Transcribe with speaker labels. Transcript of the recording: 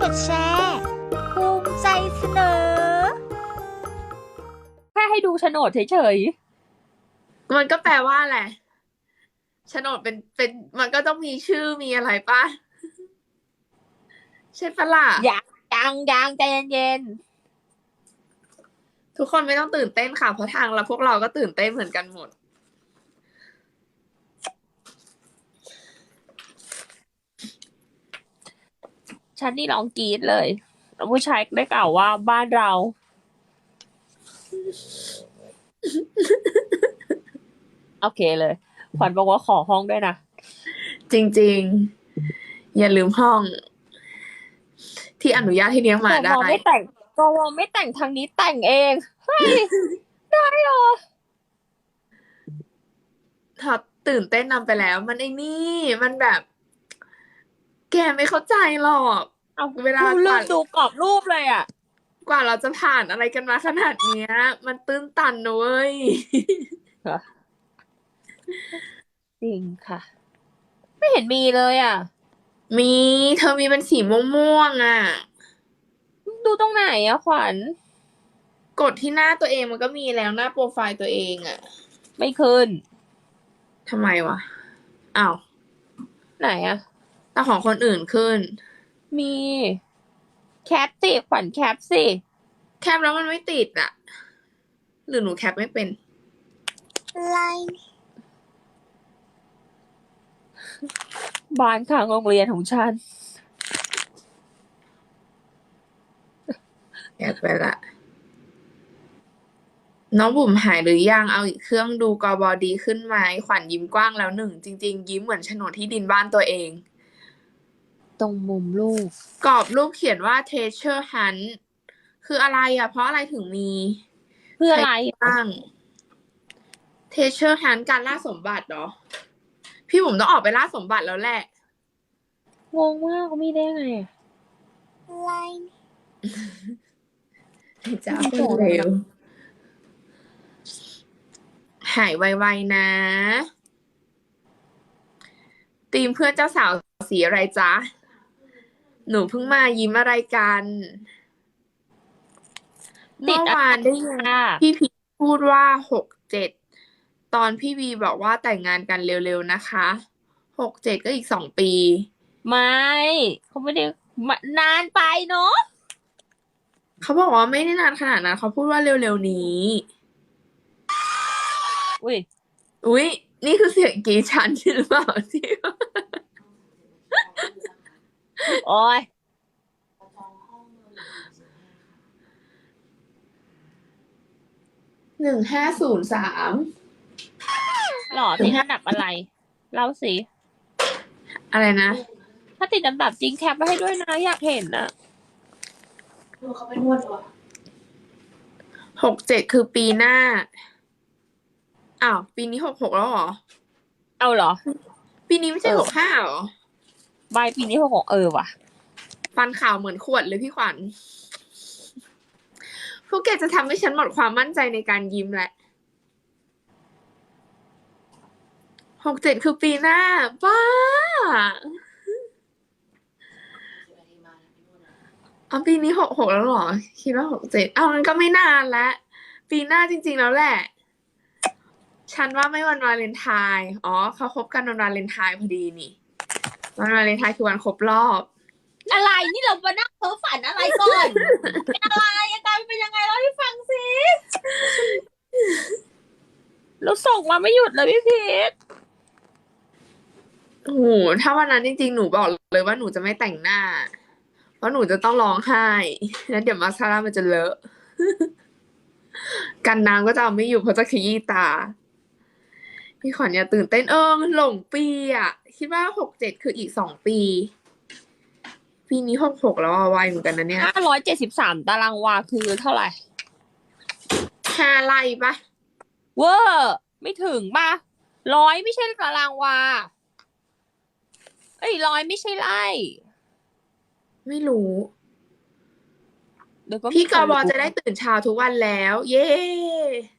Speaker 1: ดแชร์ภูมิใจเสนอ
Speaker 2: แค่ให้ดูโฉนดเฉย
Speaker 3: มันก็แปลว่าอะไรโฉนดเป็นมันก็ต้องมีชื่อมีอะไรป่ะใช่ปะล่ะ
Speaker 2: ๆยังใจเย็น
Speaker 3: ทุกคนไม่ต้องตื่นเต้นค่ะเพราะทางเราพวกเราก็ตื่นเต้นเหมือนกันหมด
Speaker 2: ๆฉันนี่ร้องกรี๊ดเลยแล้วผู้ชายได้กล่าวว่าบ้านเรา โอเคเลยขวัญบอกว่าขอห้องด้วยนะ
Speaker 3: จริงๆอย่าลืมห้อง ที่อนุญาตให้เลี้ยงหมา
Speaker 2: แต่
Speaker 3: ได้
Speaker 2: วอไม่แต่งทางนี้แต่งเองเฮ้ยได้เหรอ
Speaker 3: ถ้าตื่นเต้นนำไปแล้ว มันไอ้นี่มันแบบ แกไม่เข้าใจหรอก
Speaker 2: เอา
Speaker 3: เวลา
Speaker 2: ลืมดูกรอบรูปเลยอ่ะ
Speaker 3: กว่าเราจะผ่านอะไรกันมาขนาดเนี้ย มันตื้นตันนะเว้ย
Speaker 2: จริงค่ะ ไม่เห็นมีเลยอ่ะ
Speaker 3: มีเธอมีเป็นสีม่วงๆอ่ะ
Speaker 2: ดูตรงไหนอะขวัญ
Speaker 3: กดที่หน้าตัวเองมันก็มีแล้วหน้าโปรไฟล์ตัวเองอ่ะ
Speaker 2: ไม่ขึ้น
Speaker 3: ทำไมวะอ้าว
Speaker 2: ไหนอะ
Speaker 3: แต่ของคนอื่นขึ้น
Speaker 2: มีแคปสิขวัญแคปสิ
Speaker 3: แคปแล้วมันไม่ติดอ่ะ หรือหนูแคปไม่เป็น
Speaker 1: ไลน์
Speaker 2: บ้านข้างโรงเรียนของฉัน
Speaker 3: แคปไปละ น้องบุ๋มหายหรือยังเอาอีกเครื่องดูกบดีขึ้นไหมขวัญยิ้มกว้างแล้วหนึ่งจริงๆยิ้มเหมือนโฉนดที่ดินบ้านตัวเอง
Speaker 2: ตรงมุมลูก
Speaker 3: กรอบรูปเขียนว่า treasure hunt คืออะไรอ่ะ เพราะอะไรถึงมี
Speaker 2: เพื่ออะไร
Speaker 3: บ้าง treasure hunt การล่าสมบัติเหรอ พี่บุ๋มต้องออกไปล่าสมบัติแล้วแหละ
Speaker 2: งงมากเขามีได้ไงอะ
Speaker 1: ไลน์
Speaker 3: จ้าคนเร็ว หายไวๆนะทีมเพื่อนเจ้าสาวสีอะไรจ๊ะ หนูเพิ่งมายิ้มอะไรกัน เมื่อวานได้ยิน
Speaker 2: ค่ะ
Speaker 3: พี่พีพูดว่า67 ตอนพี่บีบอกว่าแต่งงานกันเร็วๆนะคะ67ก็อีก2 ปี
Speaker 2: ไม่เขาไม่ได้นานไปเนาะ
Speaker 3: เขาบอกว่าไม่ได้นานขนาดนั้นเขาพูดว่าเร็วๆนี้
Speaker 2: อุ้ย
Speaker 3: อุ๊ย นี่คือเสียงกรีดฉันหรือเปล่าที่
Speaker 2: โอ้ย
Speaker 3: 1503
Speaker 2: หล่อติดอันดับอะไร เล่าสิ
Speaker 3: อะไรนะ
Speaker 2: ถ้าติดอันดับจริงแคปไว้ให้ด้วยนะอยากเห็นนะ
Speaker 3: เขาไปนวดวะ67คือปีหน้า อ้าว ปีนี้66แล้วเหรอ
Speaker 2: เอาเหรอ
Speaker 3: ปีนี้ไม่ใช่65เหรอ
Speaker 2: ใบปีนี้66ว่ะ
Speaker 3: ฟันขาวเหมือนขวดเลยพี่ขวัญ พวกแกจะทำให้ฉันหมดความมั่นใจในการยิ้มแหละ67คือปีหน้า บ้าเอาปีนี้66แล้วเหรอ คิดว่า67เอามันก็ไม่นานแล้ว ปีหน้าจริงๆแล้วแหละ ฉันว่าไม่วันวาเลนไทน์อ๋อเขาคบกันวันวาเลนไทน์พอดีนี่ วันวาเลนไทน์คือวันครบรอบ
Speaker 2: อะไรนี่เรามานั่งเพ้อฝันอะไรก่อน เป็นอะไรอาการเป็นยังไงเล่าให้ฟังสิเราส่งมาไม่หยุดเลยพี่พีท
Speaker 3: โอ้โหถ้าวันนั้นจริงๆ หนูบอกเลยว่าหนูจะไม่แต่งหน้า เพราะหนูจะต้องร้องไห้ แล้วเดี๋ยวมาสคาร่ามันจะเลอะ กันน้ำก็จะเอาไม่อยู่เพราะจะขยี้ตา พี่ขวัญอย่าตื่นเต้นมันหลงปีอ่ะ คิดว่า67คืออีก2 ปี ปีนี้66แล้วไวเหมือนกันนะเนี่ย
Speaker 2: 573 ตารางวาคือเท่าไหร่
Speaker 3: 5 ไร่ปะ
Speaker 2: เวอร์ไม่ถึงป่ะ100ไม่ใช่ตารางวา100ไม่ใช่ไร่
Speaker 3: ไม่รู้
Speaker 2: เดี๋ยวก็มี
Speaker 3: พี่ก
Speaker 2: คน
Speaker 3: บ
Speaker 2: รู้
Speaker 3: จะได้ตื่นเช้าทุกวันแล้ว เย้